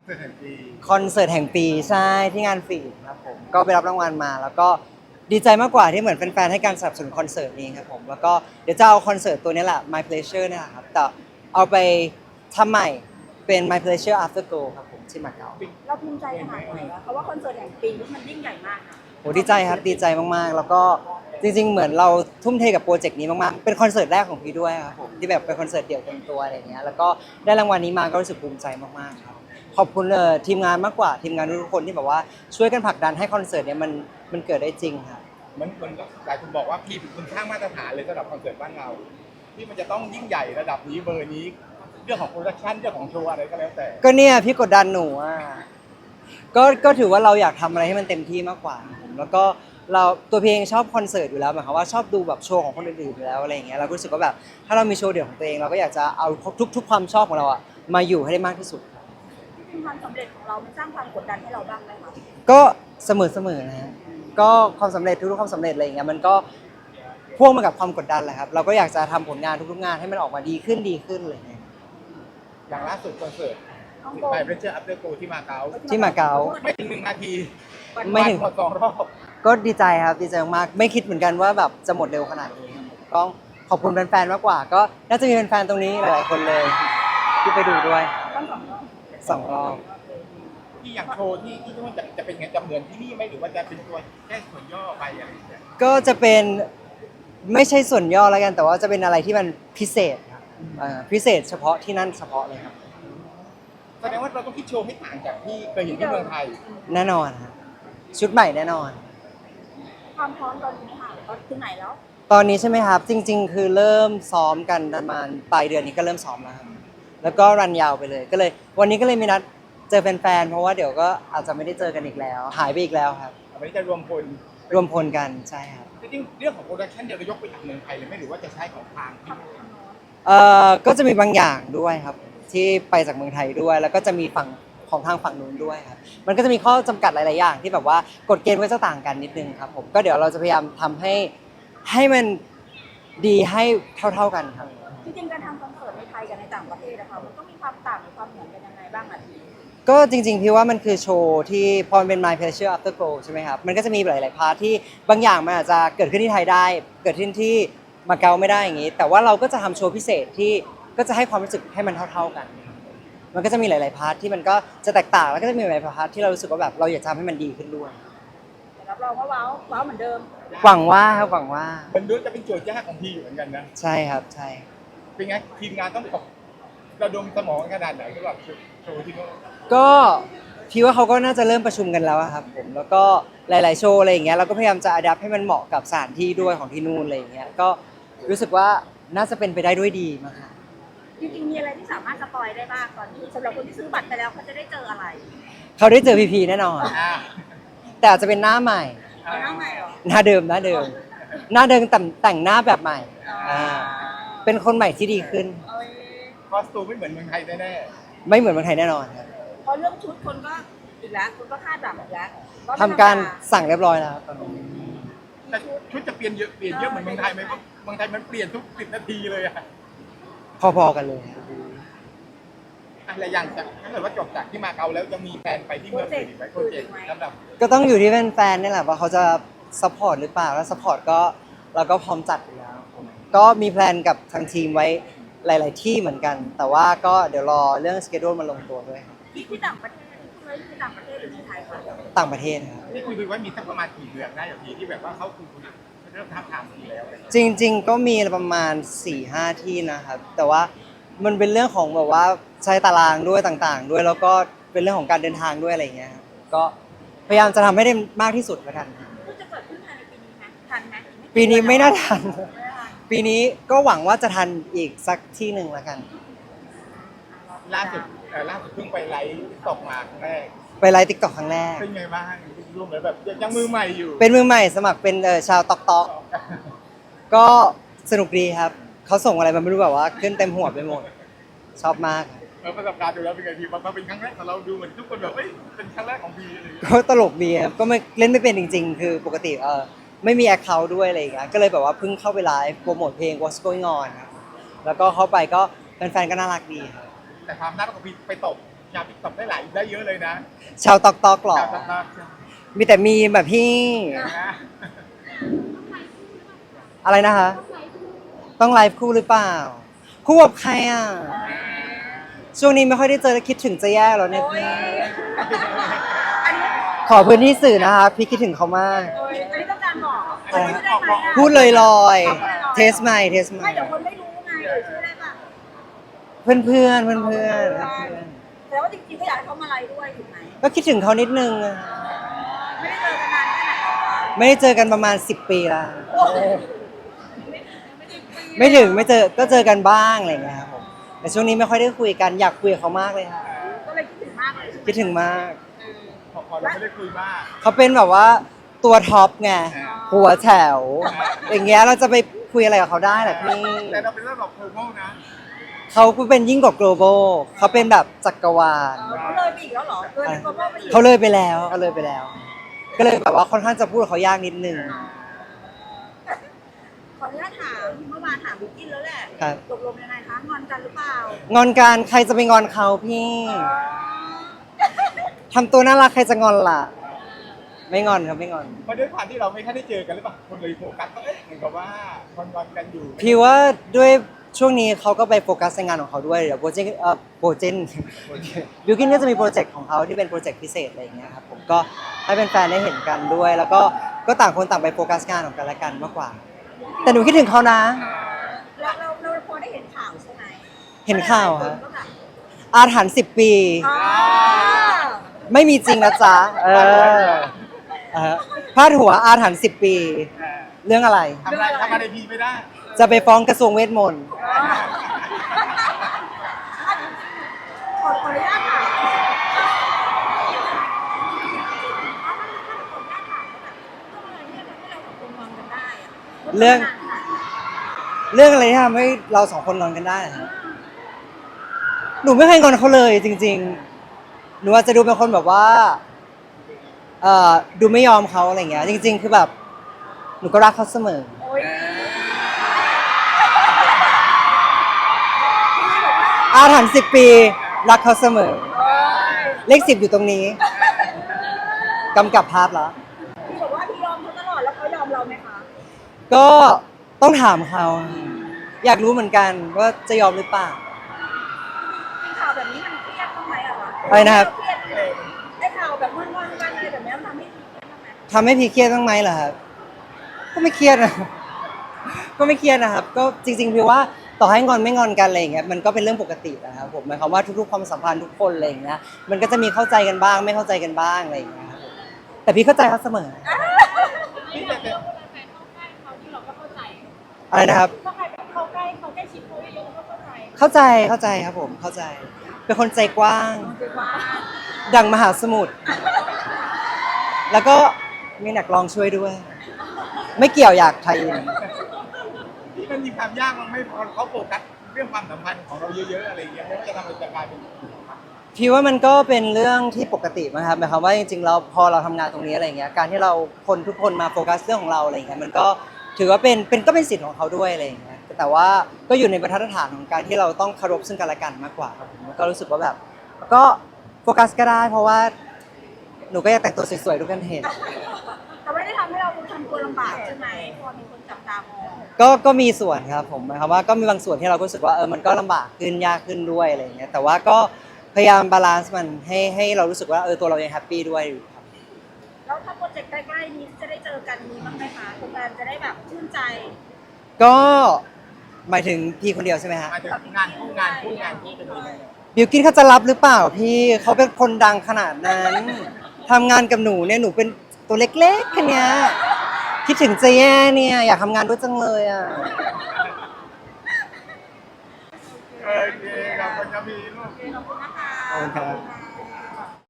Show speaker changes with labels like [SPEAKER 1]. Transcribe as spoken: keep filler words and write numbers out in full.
[SPEAKER 1] เสิร์ตแห่งปี
[SPEAKER 2] คอนเสิร์ตแห่งปีใช่ที่งานฟีดครับผมก็ไปรับรางวัลมาแล้วก็ดีใจมากกว่าที่เหมือนแฟนๆให้การสนับสนุนคอนเสิร์ตนี้ครับผมแล้วก็เดี๋ยวจะเอาคอนเสิร์ตตัวนี้แหละ My Pleasure เนี่ยแหละครับแต่เอาไปทำใหม่เป็น My Pleasure After Go ครับผมที่มาเก๊า
[SPEAKER 3] เราภูมิใจขนาดไหนวะเพราะว่าคอนเสิร์ตแห่งปีนี่มันยิ่งใหญ่มากนะ
[SPEAKER 2] โหดีใจครับดีใจมากๆแล้วก็จริงๆเหมือนเราทุ่มเทกับโปรเจกต์นี้มากๆเป็นคอนเสิร์ตแรกของพี่ด้วยครับผมที่แบบเป็นคอนเสิร์ตเดี่ยวเต็มตัวอะไรเงี้ยแล้วก็ได้รางวัลนี้มาก็รู้สึกภูมิใจมากๆครับขอบคุณเลยทีมงานมากกว่าทีมงานทุกคนที่แบบว่าช่วยกันผลักดันให้คอนเสิร์ตเนี้ยมันมันเกิดได้จริงครับ
[SPEAKER 1] เหมือนเหมือนหลายคนบอกว่าพี่เป็นคนสร้างมาตรฐานเลยสำหรับคอนเสิร์ตบ้านเราที่มันจะต้องยิ่งใหญ่ระดับนี้เบอร์นี้เรื่องของโปรดักชันเรื่องของโชว์อะไรก็แล้วแต่
[SPEAKER 2] ก็เนี่ยพี่กดดันหนูอ่ะก็ก็ถือว่าเราอยากทำอะไรให้มันเต็มที่มากกว่าผมแล้วก็เราตัวเพลงชอบคอนเสิร์ตอยู่แล้วหมายความว่าชอบดูแบบโชว์ของคนอื่นๆอยู่แล้วอะไรอย่างเงี้ยเราก็รู้สึกว่าแบบถ้าเรามีโชว์เดี่ยวของตัวเองเราก็อยากจะเอาทุกทุกความชอบของเราอ่ะมาอยู่ให้ได้มากที่สุด
[SPEAKER 3] จริงๆความสำเร็จของเรามันสร้างความกดดันให้เราบ้างไหมคะ
[SPEAKER 2] ก็เสมอเสมอนะฮะก็ความสำเร็จทุกๆความสำเร็จอะไรอย่างเงี้ยมันก็พ่วงมากับความกดดันแหละครับเราก็อยากจะทำผลงานทุกๆงานให้มันออกมาดีขึ้นดีขึ้นอะไรอย่างเงี้ย
[SPEAKER 1] อย่างล่าสุดคอนเสิร์ต
[SPEAKER 3] ฮ่องกง
[SPEAKER 1] ไปเพรสเจอร์อัพเดอร์โกที่มาเก๊า
[SPEAKER 2] ที่มาเก๊า
[SPEAKER 1] ไม่ถึงหนึ่งนาที
[SPEAKER 2] ไม่ถึง
[SPEAKER 1] หมดสองรอบ
[SPEAKER 2] ก็ดีใจครับดีใจมากๆไม่คิดเหมือนกันว่าแบบจะหมดเร็วขนาดนี้ครับผมก็ขอบคุณแฟนๆมากกว่า ก็น่าจะมีแฟนๆตรงนี้หลายๆคนเลยที่ไปดูด้วย
[SPEAKER 3] ต้องสองรอบ
[SPEAKER 2] สองรอบ
[SPEAKER 1] ที่อย่างโชว์ที่ที่นู่นจะจะเป็นไงจะเหมือนที่นี่ไหมหรือว่าจะเป็นตัวแค่ส่วนย่อไปอะไรอย่างเงี้ย
[SPEAKER 2] ก็จะเป็นไม่ใช่ส่วนย่อแล้วกัน แต่ว่าจะเป็นอะไรที่มันพิเศษครับอ่าพิเศษเฉพาะที่นั่นเฉพาะเลยครับ
[SPEAKER 1] แสดงว่าเราต้องคิดโชว์ให้ต่างจากที่เคยเห็นที่เมืองไทย
[SPEAKER 2] แน่นอนครับชุดใหม่แน่นอน
[SPEAKER 3] ความพร้อมตอนนี้ค่ะตอนถึงไหนแล้ว
[SPEAKER 2] ตอนนี้ใช่ไหมครับ จริง ๆ คือเริ่มซ้อมกันประมาณปลายเดือนนี้ก็เริ่มซ้อมแล้วครับแล้วก็รันยาวไปเลย ก็เลย วันนี้ก็เลยมีนัดเจอแฟนๆเพราะว่าเดี๋ยวก็อาจจะไม่ได้เจอกันอีกแล้ว หายไปอีกแล้วครับ
[SPEAKER 1] วันนี้จะรวมพล
[SPEAKER 2] รวมพลกันใช่ครับ
[SPEAKER 1] จริงๆเรื่องของโปรดักชันเดี๋ยวเรายกไปจากเมืองไทยเลยไหมหรือว่าจะใช้ของทางที่
[SPEAKER 2] เอ่อก็จะมีบางอย่างด้วยครับที่ไปจากเมืองไทยด้วย แล้วก็จะมีฝั่งของทางฝั่งนู้นด้วยครับมันก็จะมีข้อจำกัดหลายๆอย่างที่แบบว่ากฎเกณฑ์ก็จะต่างกันนิดนึงครับผมก็เดี๋ยวเราจะพยายามทำให้ให้มันดีให้เท่าๆกันครับ
[SPEAKER 3] จริงๆการทำคอนเสิร์ตในไทยกับในต่างประเทศนะคะมันก็มีความต่างหรือความเหมือนกันยังไงบ้างอ่ะพี่
[SPEAKER 2] ก็จริงๆพี่ว่ามันคือโชว์ที่พอมันเป็น My Pleasure After Go ใช่ไหมครับมันก็จะมีหลายๆพาร์ทที่บางอย่างมันอาจจะเกิดขึ้นที่ไทยได้ เกิดขึ้นที่มาเก๊าไม่ได้อย่างนี้ แต่ว่าเราก็จะทำโชว์พิเศษที่ก็จะให้ความรู้สึกให้มันเท่าๆกัน มันก็จะมีหลายๆพาร์ทที่มันก็จะแตกต่างแล้วก็จะมีหลายๆพาร์ทที่เรารู้สึกว่าแบบเราอยากจะทำให้มันดีขึ้นด้วย
[SPEAKER 3] แต่รับรองว่าว้าวว้าวเหมือนเดิม
[SPEAKER 2] หวังว่าครับหวังว่า
[SPEAKER 1] มันดูจะเป็นโจทย์ยากของพี่อยู่เหมือนกันนะ
[SPEAKER 2] ใช่ครับใช่
[SPEAKER 1] เป็นไงทีมงานต้องตกระดมสมองขนาดไหนสำหรับโชว์ที่นู่น
[SPEAKER 2] ก็พี่ว่าเขาก็น่าจะเริ่มประชุมกันแล้วอะครับผมแล้วก็หลาย ๆ โชว์อะไรอย่างเงี้ยเราก็พยายามจะอัดแอปให้มันเหมาะกับสถานที่ด้วยของที่นู่นอะไรอย่างเงี้ยก็รู้สึกว่าน่าจะเป็นไปได้ด้วยดีมากครับ
[SPEAKER 3] จริงๆมีอะไรที่สามารถสปอยได้บ้างตอนนี้สำหรับคนที่ซื้อบัตรไปแล้วเขาจะได้เจออะไร
[SPEAKER 2] เขาได้เจอพีพีแน่นอน
[SPEAKER 1] อ่า
[SPEAKER 2] แต่อาจจะเป็นหน้าใหม่
[SPEAKER 3] เอาหน้าใหม่เหรอ
[SPEAKER 2] หน้าเดิมหน้าเดิม หน้าเดิมแต่แต่งหน้าแบบใหม่อ่าเป็นคนใหม่ที่ดีขึ้น
[SPEAKER 3] เอ้ย
[SPEAKER 1] คอสตูมไม่เหมือนเมืองไทยแน่
[SPEAKER 2] ไม่เหมือนเมืองไทยแน่นอนครับ
[SPEAKER 3] เพราะเรื่องชุดคนก็อีกแล้วคนก็คาดหวังอีกแล้ว
[SPEAKER 2] ทำการสั่งเรียบร้อยแล้วครับตอนนี้
[SPEAKER 1] ๆแต่ชุดจะเปลี่ยนเยอะเปลี่ยนเยอะเหมือนเมืองไทยไหมเพราะเมืองไทยมันเปลี่ยนทุกสิบนาทีเลยอะ
[SPEAKER 2] พอๆกันเลยครับ
[SPEAKER 1] อะไรอย่างจากถ้าเกิดว่าจบจากที่มาเก๊าแล้วจะมีแผนไปที่เมืองอื่นอีกไหมโปรเจกต์สำหรับ
[SPEAKER 2] ก็ต้องอยู่ที่แฟนๆนี่แหละว่าเขาจะซัพพอร์ตหรือเปล่าแล้วซัพพอร์ตก็เราก็พร้อมจัดอยู่แล้วก็มีแพลนกับทางทีมไว้หลาย ๆ ที่เหมือนกัน แต่ว่าก็เดี๋ยวรอเรื่องสเกดูลมาลงตัวด้วยครับ
[SPEAKER 3] ที่ที่ต่างประเทศที่เลยที่ต่างประเทศหรือในไทยคะ
[SPEAKER 2] ต่างประเทศครับ
[SPEAKER 1] นี่คุยดูว่ามีสักประมาณกี่เดือนได้อย่างทีที่แบบว่าเขาคุยเริ่มท้าบทามทีแล้วอะไรอย่างเงี้ย
[SPEAKER 2] จริง ๆ ก็มีประมาณ สี่ห้า ที่นะครับ แต่ว่ามันเป็นเรื่องของแบบว่าใช้ตารางด้วยต่างๆ ด้วยแล้วก็เป็นเรื่องของการเดินทางด้วยอะไรอย่างเงี้ยครับก็พยายามจะทำให้ได้มากที่สุดแล้วกัน
[SPEAKER 3] ก็จะเกิดขึ้นภายในปีนี้ไหมทันไหม
[SPEAKER 2] ปีนี้ไม่น่าทัน
[SPEAKER 3] ไม่ทัน
[SPEAKER 2] ปีนี้ก็หวังว่าจะทันอีกสักที่หนึ่งแล้วกัน
[SPEAKER 1] ล่าสุดเอ่อล่าสุดเพิ่งไปไลฟ์ตกมาครั้งแรก
[SPEAKER 2] ไปไลฟ์ติ๊กต็อกครั้งแรก
[SPEAKER 1] เป็นไงบ้างร่วมเลยแบบยังมือใหม่อยู่
[SPEAKER 2] เป็นมือใหม่สมัครเป็นเอ่อชาวตอกตอกก็สนุกดีครับ เขาส่งอะไรมาไม่รู้แบบว่าขึ้นเต็มหัวไปหมด ชอบมากครับ
[SPEAKER 1] เออประสบการณ์ดูแล้วเป็นไงพี่มาเป็นครั้งแรกแต่เราดูเหมือนทุกคนแบบเอ้ยเป็นครั้งแรกของพี่อะไรอย่างเงี้ย
[SPEAKER 2] ก็ตลกดีครับก็ไม่เล่นไม่เป็นจริง ๆ คือปกติเออไม่มีแอคเคาท์ด้วยอะไรอย่างเงี้ยก็เลยแบบว่าเพิ่งเข้าไปไลฟ์โปรโมทเพลง What's Going On ครับแล้วก็เข้าไปก็แฟนๆก็น่ารักดีครับ
[SPEAKER 1] แต่ความน่ารักของพี่ไปตกชาวติ๊กต็อกได้หลายได้เยอะเลยนะ
[SPEAKER 2] ชาวตอกตอกหรอ
[SPEAKER 1] ชาวติ๊กต็อก
[SPEAKER 2] มีแต่มีแบบพี่
[SPEAKER 1] นะ
[SPEAKER 2] อะไรนะคะ ต้องไลฟ์คู่หรือเปล่า คู่กับใครอ่ะ ช่วงนี้ไม่ค่อยได้เจอแล้วคิดถึงจะแย่แล้วเนี่ย
[SPEAKER 3] โอ้ย
[SPEAKER 2] พี่
[SPEAKER 3] อันนี้
[SPEAKER 2] ขอพื้นที่สื่อนะคะพี่คิดถึงเขามาก
[SPEAKER 3] โอ้ยอันนี้ต้องการบอกชื่อได้ไหมอะ
[SPEAKER 2] พูดลอยๆ เทสใหม่เทสใหม่
[SPEAKER 3] ไม่เดี๋ยวคนไม่รู้ไงเออชื่อได้ป่ะ
[SPEAKER 2] เพื่อนเพื่อนเพื่อนเพื่อนๆเพื่อน
[SPEAKER 3] แต่ว่าจริงๆก็อยากให้เขามาไลฟ์ด้วยถูกไหม
[SPEAKER 2] ๆก็คิดถึงเขานิดนึงอะ
[SPEAKER 3] ไม่ได้เจอกันนานแค่ไหนแล้วคะ
[SPEAKER 2] ไม่ได้เจอกันประมาณสิบปีละ
[SPEAKER 3] โอ้ย
[SPEAKER 2] ไม่ถึงไม่เจอก็เจอกันบ้างอะไรอย่างเงี้ยครับผมแต่ช่วงนี้ไม่ค่อยได้คุยกันอยากคุยกับเขามากเลยค่ะ
[SPEAKER 3] ก็เลยคิดถึงมากเลยใช่ไหม
[SPEAKER 2] คิดถึงมาก
[SPEAKER 1] พอพอเราไม่ได้คุยมาก
[SPEAKER 2] เขาเป็นแบบว่าตัวท็อปไงหัวแถว อย่างเงี้ยเราจะไปคุยอะไรกับเขาได้เหรอพี่
[SPEAKER 1] แต่เราเป็นระดับโคโมนะ
[SPEAKER 2] เขาเป็นยิ่งกว่า global เขาเป็นแบบจักรวาล
[SPEAKER 3] เออเขาเลยไปอีกแล้วเหรอเกินกว่าพ่อไปอีก
[SPEAKER 2] เขาเลยไปแล้วเขาเลยไปแล้ว ก็เลยแบบว่าค่อนข้างจะพูดกับเขายากนิดนึง
[SPEAKER 3] ขออนุญาตถามเมื่อวานถามบิ๊กกินแล้วแหละ
[SPEAKER 2] ครับ
[SPEAKER 3] ตกลงยังไงคะงอนกันหรือเปล่าง
[SPEAKER 2] อนกันใครจะไปงอนเขาพี่
[SPEAKER 3] อ๋อ
[SPEAKER 2] ทำตัวน่ารักใครจะงอนล่ะ ไม่งอนครับไม่งอน
[SPEAKER 1] เพราะด้วยความที่เราไม่ค่อยได้เจอกันหรือเปล่าคนเลยโฟกัสว่าเอ๊ะเหมือนกับว่าคนวันกันอยู่
[SPEAKER 2] พี่ว่าด้วยช่วงนี้เขาก็ไปโฟกัสในงานของเขาด้วยเดี๋ยวโปรเจกต์เอ่อโปรเจกต์บิวกินก็จะมีโปรเจกต์ของเขาที่เป็นโปรเจกต์พิเศษอะไรอย่างเงี้ยครับผมก็ให้แฟนๆได้เห็นกันด้วย แล้วก็ก็ต่างคนต่างไปโฟกัสงานของกันและกันมากกว่า แต่หนูคิดถึงเขานะ
[SPEAKER 3] เราเราเราพอได้เห็นข่าวใช่ไหม
[SPEAKER 2] เห็นข่าว
[SPEAKER 3] ค
[SPEAKER 2] ฮะ
[SPEAKER 3] นก็แบบ
[SPEAKER 2] อาถรรพ์สิบปี
[SPEAKER 3] อ๋อ
[SPEAKER 2] ไม่มีจริงนะจ๊ะเออเออพาดหัวอาถรรพ์สิบปี
[SPEAKER 1] เออ
[SPEAKER 2] เรื่องอะไร
[SPEAKER 1] ทำอะไรทำอะไรพีไม่ได้
[SPEAKER 2] จะไปฟ้องกระทรวงเวทมนต์
[SPEAKER 3] ขอขออนุญาตถาม
[SPEAKER 2] เรื่องเรื่องอะไรที่ทำให้เราสองคนนอนกันได้อะหนูไม่เคยงอนเขาเลยจริง ๆ หนูอาจจะดูเป็นคนแบบว่าเอ่อดูไม่ยอมเขาอะไรเงี้ย จริง ๆ คือแบบ หนูก็รักเขาเสมอ
[SPEAKER 3] โอ้ย
[SPEAKER 2] อาถรรพ์สิบปี รักเขาเสมอ
[SPEAKER 3] โอ้ย
[SPEAKER 2] เลขสิบอยู่ตรงนี้กำกับภาพแล้ว
[SPEAKER 3] พี่บอกว่าพี่ยอมเขาตลอดแล้วเขายอมเราไหมคะ
[SPEAKER 2] ก็ต้องถามเขาอยากรู้เหมือนกันว่าจะยอมหรือเปล่า
[SPEAKER 3] มีข่าวแบบนี้มันเครียดบ้างไหมอะคะ
[SPEAKER 2] อะไรนะครับ
[SPEAKER 3] เครียดไหมได้ข่าวแบบงอนๆกันอะไรแบบนี้มันทำให้เครียดบ้างไหม
[SPEAKER 2] ทำให้พี่เครียดบ้างไหมเหรอครับก็ไม่เครียดนะ ก็ไม่เครียดนะครับ ก็จริงๆพี่ว่าต่อให้งอนไม่งอนกันอะไรอย่างเงี้ยมันก็เป็นเรื่องปกตินะครับผมหมายความว่าทุกๆความสัมพันธ์ทุกคนอะไรอย่างเงี้ยมันก็จะมีเข้าใจกันบ้าง ไม่เข้าใจกันบ้างอะไรอย่างเงี้ยครับผมแต่พี่เข้าใจเขาเสมอ
[SPEAKER 1] นี่แต่แต่
[SPEAKER 2] อะไรนะครับ
[SPEAKER 3] ถ้าใครแบบเข้าใกล้เขาใกล้ชิดเขาเยอะๆก็เข้าใจ
[SPEAKER 2] เข้าใจเข้าใจครับผมเข้าใจ เป็นคนใจกว้าง
[SPEAKER 3] ว่า
[SPEAKER 2] ดังมหาสมุทรแล้วก็มีหนักลองช่วยด้วย ไม่เกี่ยวอยากไทยอิน
[SPEAKER 1] ที่มันมีความยากมันไม่พอเขาโฟกัสเรื่องความสัมพันธ์ของเราเยอะๆอะไรอย่างเงี้ยไม่ว่าจะทำอะไรจะกลายเป็น
[SPEAKER 2] พี่ว่ามันก็เป็นเรื่องที่ปกตินะครับหมายความว่าจริงๆเราพอเราทำงานตรงนี้อะไรเงี้ยการที่เราคนทุกคนมาโฟกัสเรื่องของเราอะไรเงี้ยมันก็ถือว่าเป็นเป็นก็เป็นสิทธิ์ของเขาด้วยอะไรเงี้ยแต่ว่าก็อยู่ในบรรทัดฐานของการที่เราต้องเคารพซึ่งกันและกันมากกว่าครับผมก็รู้สึกว่าแบบก็โฟกัสก็ได้ เพราะว่าหนูก็อยากแต่งตัวสวยๆทุกคนเห็น
[SPEAKER 3] แต่ไม่ได้ทำให้เราทำตัวลำบากใช่ไหมพอมีคนจับตามอง
[SPEAKER 2] ก็ก็มีส่วนครับผมหมายความว่าก็มีบางส่วนที่เราก็รู้สึกว่าเออมันก็ลำบากขึ้นยากขึ้นด้วยอะไรเงี้ยแต่ว่าก็พยายามบาลานซ์มันให้ให้เรารู้สึกว่าเออตัวเรายังแฮปปี้ด้วยอยู่ครับ
[SPEAKER 3] แล้วถ้าโปรเจกต์ใกล้ๆนี้จะได้เจอกันมีบ้างไหมคะคุณแฟนจะได้แบบชื่นใจ
[SPEAKER 2] ก็หมายถึงพี่คนเดียวใช่ไหมฮะ
[SPEAKER 1] มาถึงงานคู่งานคู่งานคู่เป็นยังไง
[SPEAKER 2] บิวกินเขาจะรับหรือเปล่าพี่เขาเป็นคนดังขนาดนั้นทำงานกับหนูเนี่ยหนูเป็นตัวเล็กๆแค่เนี้ยคิดถึงเจแย่เนี่ยอยากทำงานด้วยจังเลยอ่ะ
[SPEAKER 1] โอเคขอบคุณครับพี่ลูก
[SPEAKER 3] ขอบคุณนะคะ
[SPEAKER 2] ขอบคุณครับ